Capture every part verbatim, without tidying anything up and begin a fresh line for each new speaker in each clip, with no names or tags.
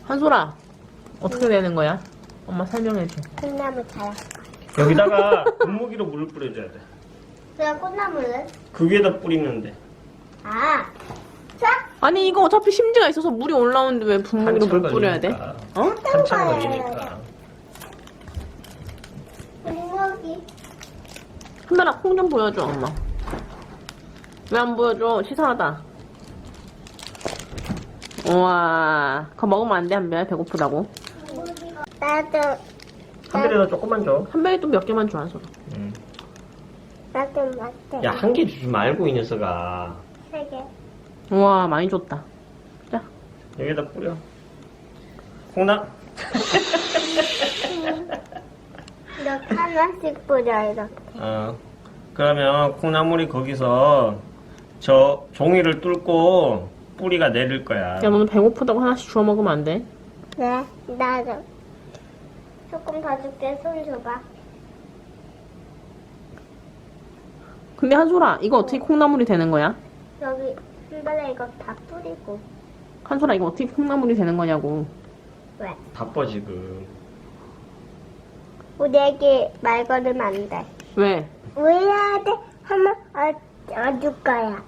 한솔아, 어떻게 되는 거야? 엄마 설명해줘.
콩나물 자랄 거야.
여기다가 분무기로 물을 뿌려줘야 돼.
그럼 콩나물은?
그 위에다 뿌리는데.
아, 자,
아니 이거 어차피 심지가 있어서 물이 올라오는데 왜 분무기로 물 뿌려야 돼? 어?
한참 걸리니까.
분무기.
한달아 콩 좀 보여줘 엄마. 왜 안 보여줘? 시선하다. 우와, 그거 먹으면 안 돼 한별 배고프다고.
나도,
한별이도 조금만 줘.
한별이 또 몇 개만 줘 한솔아.
응.
나도 맞대.
야, 한 개 주지 말고 이 녀석아.
세 개.
우와 많이 줬다. 자,
여기다 뿌려. 콩나.
이렇게 하나씩 뿌려, 이렇게.
어. 그러면 콩나물이 거기서 저 종이를 뚫고 뿌리가 내릴 거야.
야 너는 배고프다고 하나씩 주워 먹으면 안 돼?
네, 나도. 조금 더 줄게, 손 줘봐.
근데 한솔아 이거 어떻게 콩나물이 되는 거야?
여기, 한번에 이거 다 뿌리고.
한솔아 이거 어떻게 콩나물이 되는 거냐고.
왜?
바빠 지금.
우리 애기 말 걸으면 안 돼.
왜?
왜 해야 돼? 하면 어, 어줄 거야.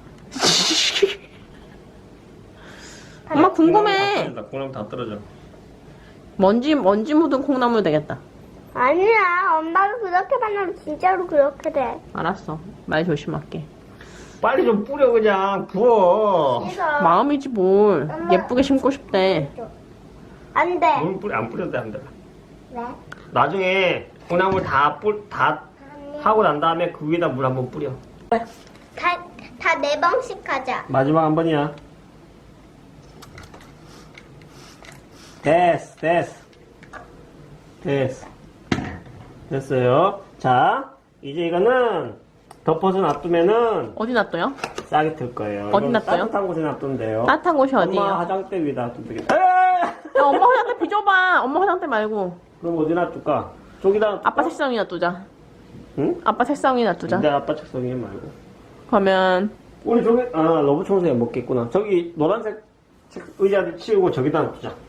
엄마 궁금해.
콩나물 다 떨어져.
먼지 먼지 묻은 콩나물 되겠다.
아니야, 엄마가 그렇게 만나면 진짜로 그렇게 돼.
알았어. 말 조심할게.
빨리 좀 뿌려 그냥 부어.
싫어.
마음이지 뭘.
엄마.
예쁘게 심고 싶대.
안 돼.
물 뿌려 안 뿌려도 돼 안 돼.
왜?
나중에 콩나물 다 뿌 다 하고 난 다음에 그 위에다 물 한번 뿌려.
다, 다 네 번씩 하자.
마지막 한 번이야. 됐어, 됐어. 됐어. 됐어요. 자, 이제 이거는 덮어서 놔두면은
어디 놔둬요?
싸게 틀 거예요.
어디
이건
놔둬요?
따뜻한 곳에 놔두면 돼요.
따뜻한 곳이 어디예요?
엄마 화장대 위에다 놔두면 되겠다.
야, 엄마 화장대 비줘봐. 엄마 화장대 말고.
그럼 어디 놔둘까? 저기다 놔둘까?
아빠 책상 위에 놔두자.
응?
아빠 책상 위에 놔두자.
근데 아빠 책상 위에 말고.
그러면
우리 저기, 아, 러브 청소기 먹겠구나. 저기 노란색 책- 의자를 치우고 저기다 놔두자.